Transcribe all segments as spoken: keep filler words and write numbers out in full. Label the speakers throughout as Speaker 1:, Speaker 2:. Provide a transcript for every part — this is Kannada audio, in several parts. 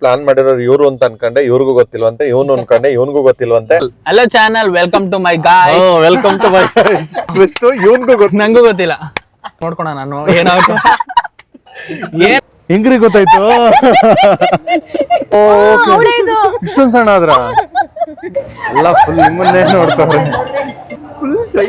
Speaker 1: ಪ್ಲಾನ್ ಮಾಡಿರೋರು ಇವ್ರು ಅಂತ ಅನ್ಕೊಂಡೆ, ಇವ್ರಿಗೂ ಗೊತ್ತಿಲ್ವಂತೆ, ಇವನು ಅನ್ಕೊಂಡೆ, ಇವನ್ಗೂ ಗೊತ್ತಿಲ್ವಂತೆ.
Speaker 2: Hello channel, welcome to my guys.
Speaker 1: Welcome to my guys. ಇವನ್ಗೂ ಗೊತ್ತ,
Speaker 2: ನಂಗೂ ಗೊತ್ತಿಲ್ಲ. ನೋಡ್ಕೊಣ ನಾನು ಏನಾಗುತ್ತೆ ಏನ್
Speaker 1: ಹೆಂಗ್ರಿ ಗೊತ್ತಾಯ್ತು? ಇಷ್ಟೊಂದ್ ಸಣ್ಣ ಆದ್ರ ಎಲ್ಲ ಫುಲ್ ನಿಮ್ಮನ್ನೇ ನೋಡ್ತಾರೆ. Full shy.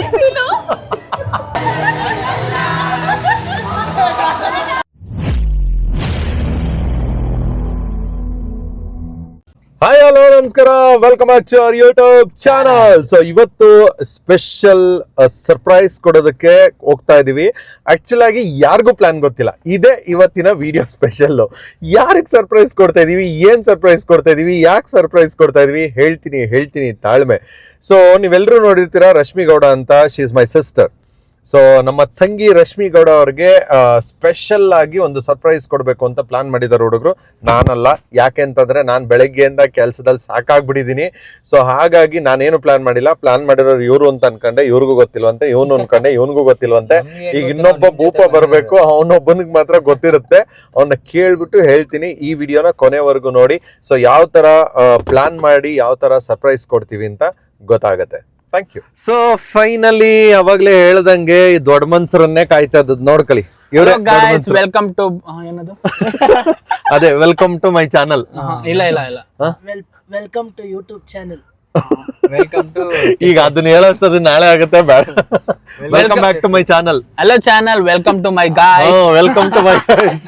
Speaker 1: ಹಾಯ್ ಹಲೋ ನಮಸ್ಕಾರ, welcome back to our YouTube channel. So ಇವತ್ತು ಸ್ಪೆಷಲ್ ಸರ್ಪ್ರೈಸ್ ಕೊಡೋದಕ್ಕೆ ಹೋಗ್ತಾ ಇದೀವಿ. ಆಕ್ಚುಲ್ ಆಗಿ ಯಾರಿಗೂ ಪ್ಲಾನ್ ಗೊತ್ತಿಲ್ಲ, ಇದೇ ಇವತ್ತಿನ ವಿಡಿಯೋ ಸ್ಪೆಷಲ್. ಯಾರಿಗೆ ಸರ್ಪ್ರೈಸ್ ಕೊಡ್ತಾ ಇದೀವಿ, ಏನ್ ಸರ್ಪ್ರೈಸ್ ಕೊಡ್ತಾ ಇದೀವಿ, ಯಾಕೆ ಸರ್ಪ್ರೈಸ್ ಕೊಡ್ತಾ ಇದೀವಿ ಹೇಳ್ತೀನಿ ಹೇಳ್ತೀನಿ ತಾಳ್ಮೆ. ಸೊ ನೀವೆಲ್ಲರೂ ನೋಡಿರ್ತೀರಾ ರಶ್ಮಿ ಗೌಡ ಅಂತ, she is my sister. So ನಮ್ಮ ತಂಗಿ ರಶ್ಮಿ ಗೌಡ ಅವ್ರಿಗೆ ಸ್ಪೆಷಲ್ ಆಗಿ ಒಂದು ಸರ್ಪ್ರೈಸ್ ಕೊಡಬೇಕು ಅಂತ ಪ್ಲಾನ್ ಮಾಡಿದಾರೆ ಹುಡುಗರು, ನಾನಲ್ಲ. ಯಾಕೆ ಅಂತಂದ್ರೆ ನಾನು ಬೆಳಗ್ಗೆಯಿಂದ ಕೆಲಸದಲ್ಲಿ ಸಾಕಾಗ್ಬಿಟ್ಟಿದ್ದೀನಿ. ಸೊ ಹಾಗಾಗಿ ನಾನೇನು ಪ್ಲಾನ್ ಮಾಡಿಲ್ಲ. ಪ್ಲಾನ್ ಮಾಡಿರೋರು ಇವ್ರು ಅಂತ ಅನ್ಕೊಂಡೆ, ಇವ್ರಿಗೂ ಗೊತ್ತಿಲ್ವಂತೆ, ಇವನು ಅನ್ಕೊಂಡೆ, ಇವನ್ಗೂ ಗೊತ್ತಿಲ್ವಂತೆ. ಈಗ ಇನ್ನೊಬ್ಬ ಭೂಪ ಬರ್ಬೇಕು, ಅವನೊಬ್ಬನಿಗೆ ಮಾತ್ರ ಗೊತ್ತಿರುತ್ತೆ. ಅವನ್ನ ಕೇಳ್ಬಿಟ್ಟು ಹೇಳ್ತೀನಿ. ಈ ವಿಡಿಯೋನ ಕೊನೆವರೆಗೂ ನೋಡಿ. ಸೊ ಯಾವ ತರ ಪ್ಲಾನ್ ಮಾಡಿ ಯಾವ ತರ ಸರ್ಪ್ರೈಸ್ ಕೊಡ್ತೀವಿ ಅಂತ ಗೊತ್ತಾಗತ್ತೆ. Thank you. ಸೊ ಫೈನಲಿ ಅವಾಗ್ಲೇ ಹೇಳ್ದಂಗೆ ಈ ದೊಡ್ಡ ಮನ್ಸರನ್ನೇ ಕಾಯ್ತಾ ಇದ್ದದ್ ನೋಡ್ಕೊಳ್ಳಿ.
Speaker 2: ವೆಲ್ಕಮ್ ಟು ಏನದು
Speaker 1: ಅದೇ ವೆಲ್ಕಮ್ ಟು ಮೈ ಚಾನಲ್.
Speaker 2: ಇಲ್ಲ ಇಲ್ಲ ಇಲ್ಲ
Speaker 3: welcome to YouTube channel.
Speaker 2: Welcome to
Speaker 1: ಈಗ ಅದನ್ನ ಹೇಳೋಷ್ಟದು ನಾಳೆ ಆಗುತ್ತೆ, ಬೇಡ. Welcome back to my channel.
Speaker 2: Hello channel, welcome to my guys.
Speaker 1: Welcome to my guys.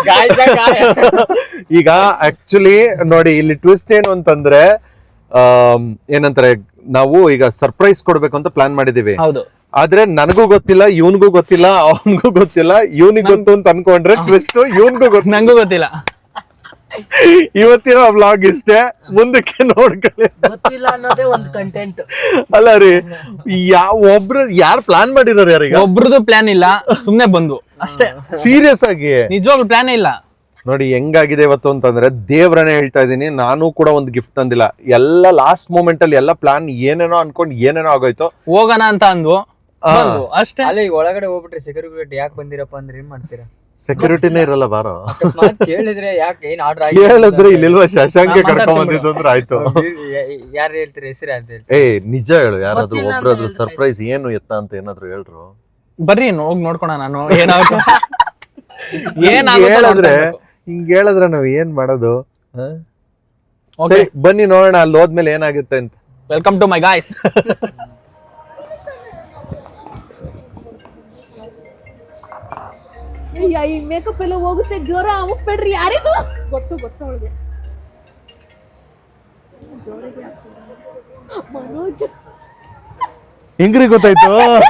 Speaker 1: ಈಗ ಆಕ್ಚುಲಿ ನೋಡಿ, ಇಲ್ಲಿ ಟ್ವಿಸ್ಟ್ ಏನು ಅಂತಂದ್ರೆ ಏನಂತಾರೆ, ನಾವು ಈಗ ಸರ್ಪ್ರೈಸ್ ಕೊಡ್ಬೇಕು ಅಂತ ಪ್ಲಾನ್ ಮಾಡಿದೀವಿ.
Speaker 2: ಹೌದು.
Speaker 1: ಆದ್ರೆ ನನಗೂ ಗೊತ್ತಿಲ್ಲ, ಇವನ್ಗೂ ಗೊತ್ತಿಲ್ಲ, ಅವನ್ಗೂ ಗೊತ್ತಿಲ್ಲ. ಇವನಿಗೆ ಗೊತ್ತು ಅಂತ ಅನ್ಕೊಂಡ್ರೆ ಟ್ವಿಸ್ಟ್ ಇವನ್ಗೂ ಗೊತ್ತು,
Speaker 2: ನಂಗೂ ಗೊತ್ತಿಲ್ಲ.
Speaker 1: ಇವತ್ತಿನ ವ್ಲಾಗ್ ಇಷ್ಟೇ, ಮುಂದಕ್ಕೆ ನೋಡ್ಕೊಳ್ಳಿ.
Speaker 3: ಗೊತ್ತಿಲ್ಲ ಅನ್ನೋದೇ ಒಂದು ಕಂಟೆಂಟ್
Speaker 1: ಅಲ್ಲ ರೀ, ಯಾವ ಒಬ್ರು ಯಾರು ಪ್ಲಾನ್ ಮಾಡಿದಾರೆ? ಯಾರೀಗ
Speaker 2: ಒಬ್ರದ್ದು ಪ್ಲಾನ್ ಇಲ್ಲ, ಸುಮ್ನೆ ಬಂದು ಅಷ್ಟೇ.
Speaker 1: ಸೀರಿಯಸ್ ಆಗಿ
Speaker 2: ನಿಜವಾಗ್ಲೂ ಪ್ಲಾನ್ ಇಲ್ಲ.
Speaker 1: ನೋಡಿ ಹೆಂಗಾಗಿದೆ ಇವತ್ತು ಅಂತಂದ್ರೆ, ದೇವ್ರನೇ ಹೇಳ್ತಾ ಇದೀನಿ, ನಾನು ಕೂಡ ಒಂದು ಗಿಫ್ಟ್ ತಂದಿಲ್ಲ. ಎಲ್ಲ ಲಾಸ್ಟ್ ಮೂಮೆಂಟ್ ಅಲ್ಲಿ ಎಲ್ಲ ಪ್ಲಾನ್ ಏನೇನೋ ಅನ್ಕೊಂಡು ಏನೇನೋ ಆಗೋಯ್ತು.
Speaker 2: ಹೋಗೋಣ ಅಂತ ಅಂದ್ವು, ಅಷ್ಟೇ.
Speaker 4: ಅಲ್ಲಿ ಒಳಗಡೆ ಹೋಗ್ಬಿಟ್ರೆ ಸೆಕ್ಯೂರಿಟಿ ಯಾಕೆ ಬಂದಿರಪ್ಪ ಅಂದ್ರೆ ಏನ್ ಮಾಡ್ತೀರಾ?
Speaker 1: ಸೆಕ್ಯೂರಿಟಿನೇ ಇರಲ್ಲ ಬಾರೋ.
Speaker 4: ಕೇಳಿದ್ರೆ ಯಾಕೆ ಏನ್ ಆರ್ಡರ್
Speaker 1: ಹೇಳಿದ್ರೆ ಇಲ್ಲಿಲ್ವಾ ಶಶಾಂಕ್ ಕರ್ಕೊಂಡ್ ಬಂದಿದ್ದು ಅಂದ್ರೆ ಆಯ್ತು.
Speaker 4: ಯಾರು ಹೇಳ್ತೀರಿ ಹೆಸರು ಅಂತ ಹೇಳಿ?
Speaker 1: ಏ ನಿಜ ಹೇಳು, ಯಾರಾದ್ರೂ ಒಬ್ರಾದ್ರು ಸರ್ಪ್ರೈಸ್ ಏನು ಎತ್ತ ಅಂತ ಏನಾದ್ರು ಹೇಳ್ರು.
Speaker 2: ಬರ್ರಿ ಹೋಗಿ ನೋಡ್ಕೊಣ ನಾನು ಏನಾಗುತ್ತೆ ಏನ್
Speaker 1: ಹೇಳಿದ್ರೆ. ಹಿಂಗ್ ಹೇಳಿದ್ರೆ ನಾವ್ ಏನ್ ಮಾಡೋದು? ಬನ್ನಿ ನೋಡೋಣ ಅಲ್ಲಿ ಹೋದ್ಮೇಲೆ ಏನಾಗುತ್ತೆ ಅಂತ.
Speaker 2: Welcome to my guys.
Speaker 5: ಈ ಮೇಕಪ್ ಎಲ್ಲ ಹೋಗುತ್ತೆ, ಜೋರ ಅಮುಕ್ಬೇಡ್ರಿ. ಯಾರಿದು? ಗೊತ್ತು ಗೊತ್ತು ಅವಳಿಗೆ. ಮನೋಜ್.
Speaker 1: ಹೆಂಗ್ರಿ ಗೊತ್ತಾಯ್ತು?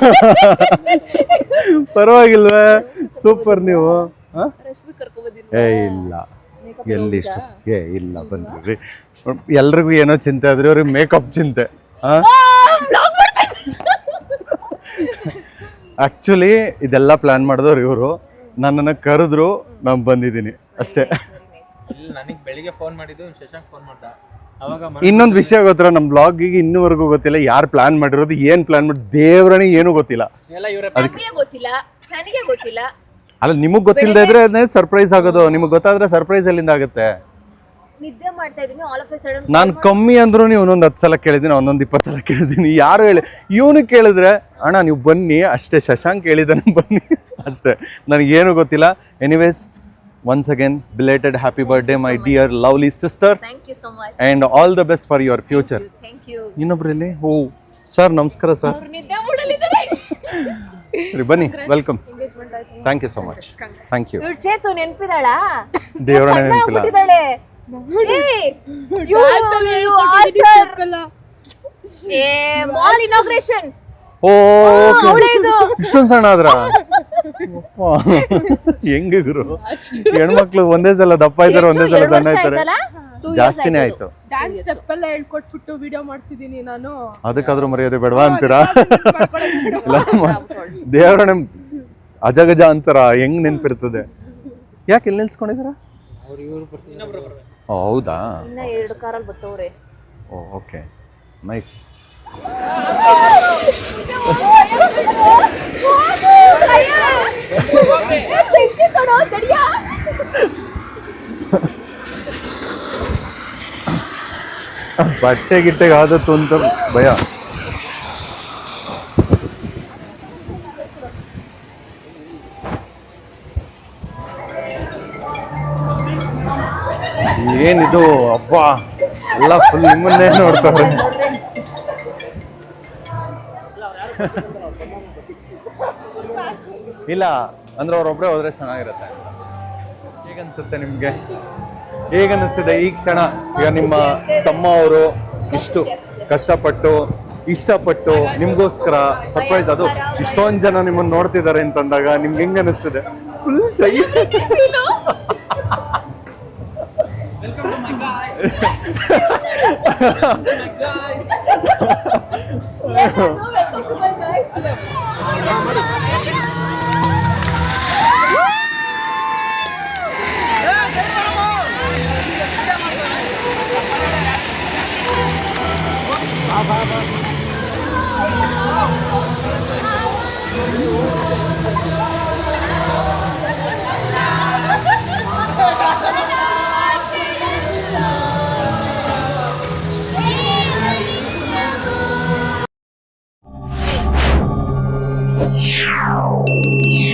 Speaker 1: ಪರವಾಗಿಲ್ವೇ, ಸೂಪರ್ ನೀವು. ಏ ಇಲ್ಲ, ಎಲ್ಲಿ ಇಷ್ಟ ಏ ಇಲ್ಲ, ಬನ್ರಿ. ಎಲ್ರಿಗೂ ಏನೋ ಚಿಂತೆ ಆದ್ರೆ ಅವ್ರಿಗೆ ಮೇಕಪ್ ಚಿಂತೆ. ಆಕ್ಚುಲಿ ಇದೆಲ್ಲ ಪ್ಲಾನ್ ಮಾಡಿದವ್ರು ಇವರು. ನನ್ನನ್ನ ಕರೆದ್ರು, ನಾನು ಬಂದಿದ್ದೀನಿ ಅಷ್ಟೇ.
Speaker 4: ನನಗೆ ಬೆಳಿಗ್ಗೆ ಫೋನ್ ಮಾಡಿದ್ದು, ಶಶಾಂಕ್ ಫೋನ್ ಮಾಡ್ದ.
Speaker 1: ಇನ್ನೊಂದು ವಿಷಯ ಗೊತ್ತರ, ನಮ್ ಬ್ಲಾಗಿಗೆ ಇನ್ನೂವರೆಗೂ ಗೊತ್ತಿಲ್ಲ ಯಾರು ಪ್ಲಾನ್ ಮಾಡಿರೋದು, ಏನ್ ಪ್ಲಾನ್ ಮಾಡಿ ದೇವ್ರನೇ ಏನು ಗೊತ್ತಿಲ್ಲ.
Speaker 5: ಗೊತ್ತಿಲ್ಲ, ನನಗೆ ಗೊತ್ತಿಲ್ಲ.
Speaker 1: ಅಲ್ಲ, ನಿಮಗ್ ಗೊತ್ತಿಲ್ಲದೆ ಇದ್ರೆ ಅದನ್ನೇ ಸರ್ಪ್ರೈಸ್ ಆಗೋದು. ನಿಮಗ್ ಗೊತ್ತಾದ್ರೆ ಸರ್ಪ್ರೈಸ್ ಎಲ್ಲಿಂದ ಆಗುತ್ತೆ?
Speaker 5: ನಿದ್ದೆ ಮಾಡ್ತಾ ಇದೀನಿ, ಆಲ್ ಆಫ್ ಎ ಸಡನ್
Speaker 1: ನಾನು ಕಮ್ಮಿ ಅಂದ್ರೂ ನೀವು ಒಂದೊಂದು ಹತ್ತು ಸಲ ಕೇಳಿದ್ದೀನಿ, ಒಂದೊಂದು ಇಪ್ಪತ್ತು ಸಲ ಕೇಳಿದ್ದೀನಿ. ಯಾರು ಹೇಳಿ, ಇವನು ಕೇಳಿದ್ರೆ ಅಣ್ಣ ನೀವು ಬನ್ನಿ ಅಷ್ಟೇ, ಶಶಾಂಕ್ ಹೇಳಿದಾನೆ ಬನ್ನಿ ಅಷ್ಟೇ, ನನಗೇನು ಗೊತ್ತಿಲ್ಲ. Anyways, once again belated happy birthday my dear lovely sister.
Speaker 5: Thank you so much
Speaker 1: and all the best for your future.
Speaker 5: Thank you.
Speaker 1: ಇನ್ನೊಬ್ರಲ್ಲಿ ಓ ಸರ್ ನಮಸ್ಕಾರ ಸರ್.
Speaker 5: ಅವರು ನಿದ್ದೆ ಮಾಡಲಿದ್ದಾರೆ.
Speaker 1: ಸರಿ ಬನ್ನಿ, welcome. Thank you so much. Thank you.
Speaker 5: ಇವ್ಳು ಚೇತು ನೆನಪಿದಾಳ?
Speaker 1: ದೇವರನ್ನ ನೆನಪಿಲ್ಲ.
Speaker 5: ಬಿಟ್ಟಿದ್ದಾಳೆ. ಏಯ್ ಯು ಯು ಆಸರ್ ಏ ಮಾಲ್ ಇನಾಗ್ರೇಷನ್.
Speaker 1: ಓ
Speaker 5: ಅವಳೇ ಇದು.
Speaker 1: ಇಷ್ಟೊಂದು ಸಣ್ಣ ಆದ್ರ ಹೆಂಗೆ ಗುರು? ಹೆಣ್ಮಕ್ಳು ಒಂದೇ ಸಲ ದಪ್ಪ ಇದ್ದಾರೆ, ಒಂದೇ ಸಲ ಸಣ್ಣ ಇದ್ದಾರೆ. ಜಾಸ್ತಿನೇ ಆಯ್ತು.
Speaker 6: ಡ್ಯಾನ್ಸ್ ಸ್ಟೆಪ್ ಎಲ್ಲ ಹೇಳ್ಕೊಟ್ಬಿಟ್ಟು ವಿಡಿಯೋ ಮಾಡ್ಸಿದೀನಿ ನಾನು.
Speaker 1: ಅದಕ್ಕಾದ್ರೂ ಮರ್ಯಾದೆ ಬೇಡವಾ ಅಂತೀರಾ? ದೇವರನ್ನ ಅಜಗಜ ಅಂತಾರ, ಹೆಂಗ್ ನೆನ್ಪಿರ್ತದೆ? ಯಾಕೆ ಎಲ್ಲಿ ನಿಲ್ಸ್ಕೊಂಡಿದಾರ? ಹೌದಾ?
Speaker 5: ಇನ್ನ ಎರಡು ಕಾರಲ್ಲಿ ಬರ್ತವ್ರೆ.
Speaker 1: ಓ ಓಕೆ, ನೈಸ್. ಬಟ್ಟೆ ಗಿಟ್ಟೆಗೆ ಆದತ್ತು ಅಂತ ಭಯ. ಏನಿದು ಅಬ್ಬ, ಎಲ್ಲ ಫುಲ್ ನಿಮ್ಮನ್ನೇ ನೋಡ್ತಾರೆ. ಇಲ್ಲ ಅಂದ್ರೆ ಅವ್ರೊಬ್ರೆ ಹೋದ್ರೆ ಚೆನ್ನಾಗಿರುತ್ತೆ. ಹೇಗನ್ಸುತ್ತೆ ನಿಮ್ಗೆ? ಹೇಗನ್ನಿಸ್ತಿದೆ ಈ ಕ್ಷಣ? ಈಗ ನಿಮ್ಮ ತಮ್ಮ ಅವರು ಇಷ್ಟು ಕಷ್ಟಪಟ್ಟು ಇಷ್ಟಪಟ್ಟು ನಿಮ್ಗೋಸ್ಕರ ಸರ್ಪ್ರೈಸ್, ಅದು ಇಷ್ಟೊಂದು ಜನ ನಿಮ್ಮನ್ನ ನೋಡ್ತಿದ್ದಾರೆ ಅಂತಂದಾಗ ನಿಮ್ಗೆ ಹೆಂಗ್ ಅನಿಸ್ತಿದೆ? Full shy.
Speaker 7: Yeah.